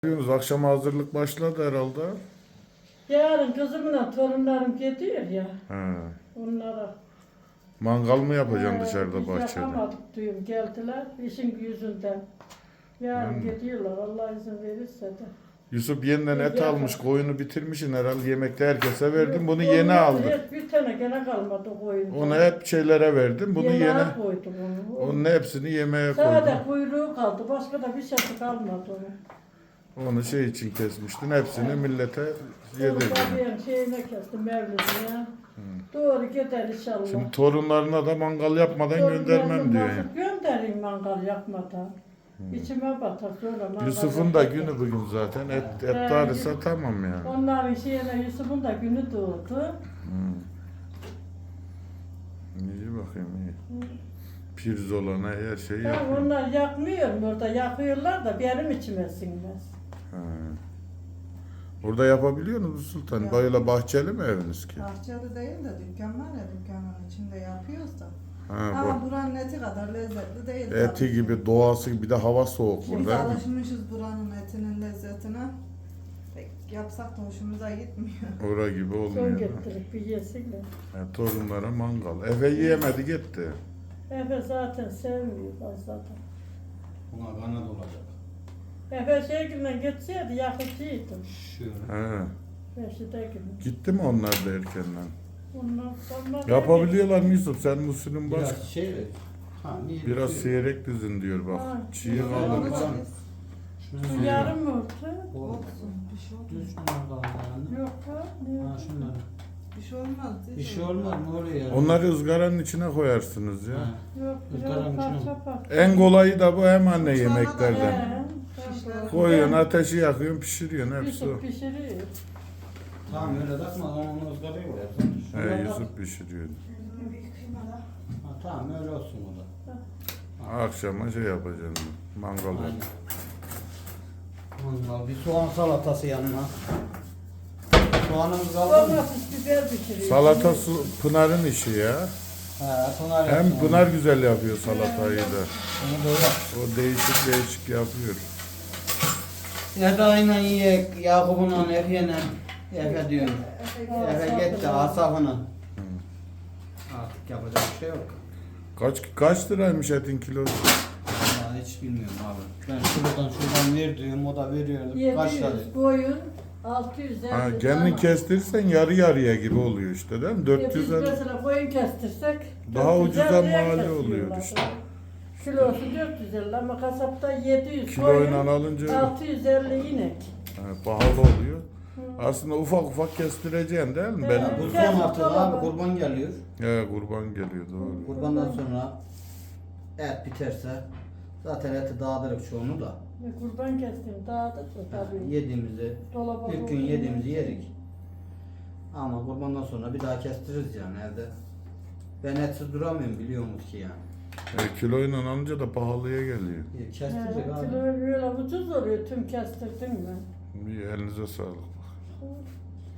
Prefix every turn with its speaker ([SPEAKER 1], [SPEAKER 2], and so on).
[SPEAKER 1] Diyorsunuz, akşama hazırlık başladı herhalde.
[SPEAKER 2] Yarın kızımla torunlarım gidiyor ya.
[SPEAKER 1] He.
[SPEAKER 2] Onlara.
[SPEAKER 1] Mangal mı yapacaksın dışarıda
[SPEAKER 2] Biz
[SPEAKER 1] bahçede?
[SPEAKER 2] yapamadık diyorum. Geldiler işin yüzünden. Yarın gidiyorlar Allah izin verirse de.
[SPEAKER 1] Yusuf yeniden et
[SPEAKER 2] Yapar.
[SPEAKER 1] almış, koyunu bitirmişsin herhalde, yemekte herkese verdin. Bunu
[SPEAKER 2] Yok,
[SPEAKER 1] yeni
[SPEAKER 2] ondan
[SPEAKER 1] aldık.
[SPEAKER 2] Hep bir tane gene kalmadı koyun.
[SPEAKER 1] Ona hep şeylere verdin. Bunu yeni,
[SPEAKER 2] koydum onu.
[SPEAKER 1] onun hepsini yemeğe
[SPEAKER 2] Sade
[SPEAKER 1] koydun.
[SPEAKER 2] kuyruğu kaldı. Başka da bir şey kalmadı onun.
[SPEAKER 1] Onu şey için kesmiştin. Hepsini millete
[SPEAKER 2] Onu
[SPEAKER 1] yedirdin.
[SPEAKER 2] tabii şeyine kestim mevlidine. Doğru gider inşallah.
[SPEAKER 1] Şimdi torunlarına da mangal yapmadan göndermem diyor.
[SPEAKER 2] Nasıl göndereyim mangal yapmadan? İçime batar sonra mangal
[SPEAKER 1] Yusuf'un da
[SPEAKER 2] yapmadan.
[SPEAKER 1] günü bugün zaten. Et darısa tamam yani.
[SPEAKER 2] Onların şeyine Yusuf'un da günü doğdu.
[SPEAKER 1] İyi bakayım iyi. Pirzolana her şeyi
[SPEAKER 2] Ben
[SPEAKER 1] yapıyor.
[SPEAKER 2] onlar yakmıyorum orada yakıyorlar da benim içime sinmez.
[SPEAKER 1] Ha. Orada yapabiliyor musunuz Sultan?
[SPEAKER 3] Yap.
[SPEAKER 1] Böyle bahçeli mi eviniz ki?
[SPEAKER 3] Bahçede değil de dükkan var ya dükkanın içinde yapıyoruz da.
[SPEAKER 1] Ha,
[SPEAKER 3] Ama buranın eti kadar lezzetli değil.
[SPEAKER 1] eti
[SPEAKER 3] tabii.
[SPEAKER 1] gibi, doğası gibi, bir de hava soğuk
[SPEAKER 3] Biz
[SPEAKER 1] burada.
[SPEAKER 3] alışmışız buranın etinin lezzetine. Pek yapsak da hoşumuza gitmiyor.
[SPEAKER 1] Ora gibi
[SPEAKER 2] Son
[SPEAKER 1] olmuyor.
[SPEAKER 2] getirip bir yesinler.
[SPEAKER 1] Torunlara mangal. Efe yiyemedi gitti.
[SPEAKER 2] Efe zaten sevmiyor fazla da.
[SPEAKER 4] Buna kanat olacak.
[SPEAKER 2] Efe şeyinden geçseydi yakıcıydım.
[SPEAKER 4] Şöyle.
[SPEAKER 1] He.
[SPEAKER 2] Reşide gibi.
[SPEAKER 1] Gitti mi onlar da erkenden?
[SPEAKER 2] Onlar
[SPEAKER 1] Yapabiliyorlar mı Yusuf? Sen usulün başka.
[SPEAKER 4] Biraz şey ver. Ha, niye?
[SPEAKER 1] Biraz
[SPEAKER 4] Şey-
[SPEAKER 1] seyrek dizin diyor bak.
[SPEAKER 2] Ha,
[SPEAKER 1] Çiğ
[SPEAKER 2] güzel
[SPEAKER 1] kaldı.
[SPEAKER 2] oldu.
[SPEAKER 3] Onu da
[SPEAKER 4] Tamam.
[SPEAKER 3] biz
[SPEAKER 4] Şunu
[SPEAKER 2] Şu
[SPEAKER 4] ver.
[SPEAKER 2] yarım mı oldu?
[SPEAKER 3] olsun. Bir şey olmaz.
[SPEAKER 4] Düz şunlardan yani.
[SPEAKER 2] Yok ha. Ne
[SPEAKER 4] Ha
[SPEAKER 2] oldu?
[SPEAKER 4] şunları.
[SPEAKER 3] Bir şey olmaz.
[SPEAKER 4] Bir şey olmaz mı oraya?
[SPEAKER 1] Onları ızgaranın içine koyarsınız ya.
[SPEAKER 4] Ha.
[SPEAKER 2] Yok
[SPEAKER 4] Izgaranın
[SPEAKER 2] biraz
[SPEAKER 4] içine
[SPEAKER 2] parça parça.
[SPEAKER 1] En kolayı da bu hem anne
[SPEAKER 3] Sonra da
[SPEAKER 1] yemeklerden.
[SPEAKER 2] He,
[SPEAKER 3] Şişler.
[SPEAKER 1] Koyuyorsun, ateşi yakıyorsun, pişiriyorsun hepsi o.
[SPEAKER 2] Yusuf pişiriyor.
[SPEAKER 4] Tamam öyle takma onu ızgaraya koyarsın.
[SPEAKER 1] He, Yusuf pişiriyor.
[SPEAKER 3] Bir kıyma da.
[SPEAKER 4] Ha, tamam öyle olsun o da.
[SPEAKER 1] Akşama şey yapacaksın. Mangal
[SPEAKER 4] Aynen.
[SPEAKER 1] yapacaksın.
[SPEAKER 4] Mangal bir soğan salatası yanına. Soğanımız kaldı mı?
[SPEAKER 2] Domates biber pişiriyor.
[SPEAKER 1] Salata su, Pınar'ın işi ya.
[SPEAKER 4] He, Pınar
[SPEAKER 1] Hem
[SPEAKER 4] yapsın
[SPEAKER 1] Pınar
[SPEAKER 4] onu.
[SPEAKER 1] güzel yapıyor salatayı da.
[SPEAKER 4] Onu da yap.
[SPEAKER 1] O değişik yapıyor.
[SPEAKER 4] Eda'yla yiyek, Yakup'unla, Efe'yle. Efe diyorum. Efe gitti, Asaf'ına. Artık yapacak bir şey yok.
[SPEAKER 1] Kaç liraymış etin kilosu?
[SPEAKER 4] Vallahi hiç bilmiyorum abi. Ben şuradan ver diyorum, o da veriyordu. Kaç lira?
[SPEAKER 2] 700 koyun, 650
[SPEAKER 1] Ha, kendin kestirsen yarı yarıya gibi oluyor işte değil mi?
[SPEAKER 2] Biz
[SPEAKER 1] 400
[SPEAKER 2] mesela koyun kestirsek
[SPEAKER 1] Daha
[SPEAKER 2] 450
[SPEAKER 1] ucuza
[SPEAKER 2] kesiyorlar.
[SPEAKER 1] mal oluyor işte.
[SPEAKER 2] Kilosu 450 ama kasapta 700
[SPEAKER 1] Kiloyla
[SPEAKER 2] koyun,
[SPEAKER 1] alınca
[SPEAKER 2] 650 inek.
[SPEAKER 1] pahalı oluyor. Aslında ufak ufak kestireceksin değil mi? Ben
[SPEAKER 4] Bu son hafta abi kurban geliyor.
[SPEAKER 1] kurban geliyor doğru.
[SPEAKER 4] Kurbandan sonra et biterse zaten eti dağıtırık çoğunu da.
[SPEAKER 2] Kurban kestim dağıdık da tabii.
[SPEAKER 4] Yediğimizi,
[SPEAKER 2] Dolaba
[SPEAKER 4] ilk gün
[SPEAKER 2] koydum.
[SPEAKER 4] yediğimizi yerik. Ama kurbandan sonra bir daha kestiririz yani evde. Ben etsiz duramıyorum biliyor musun ki yani.
[SPEAKER 1] Kiloyla alınca da pahalıya geliyor.
[SPEAKER 4] Kestirecek
[SPEAKER 2] Kilo
[SPEAKER 4] abi.
[SPEAKER 2] böyle ucuz oluyor tüm kestirdim ben.
[SPEAKER 1] İyi, elinize sağlık.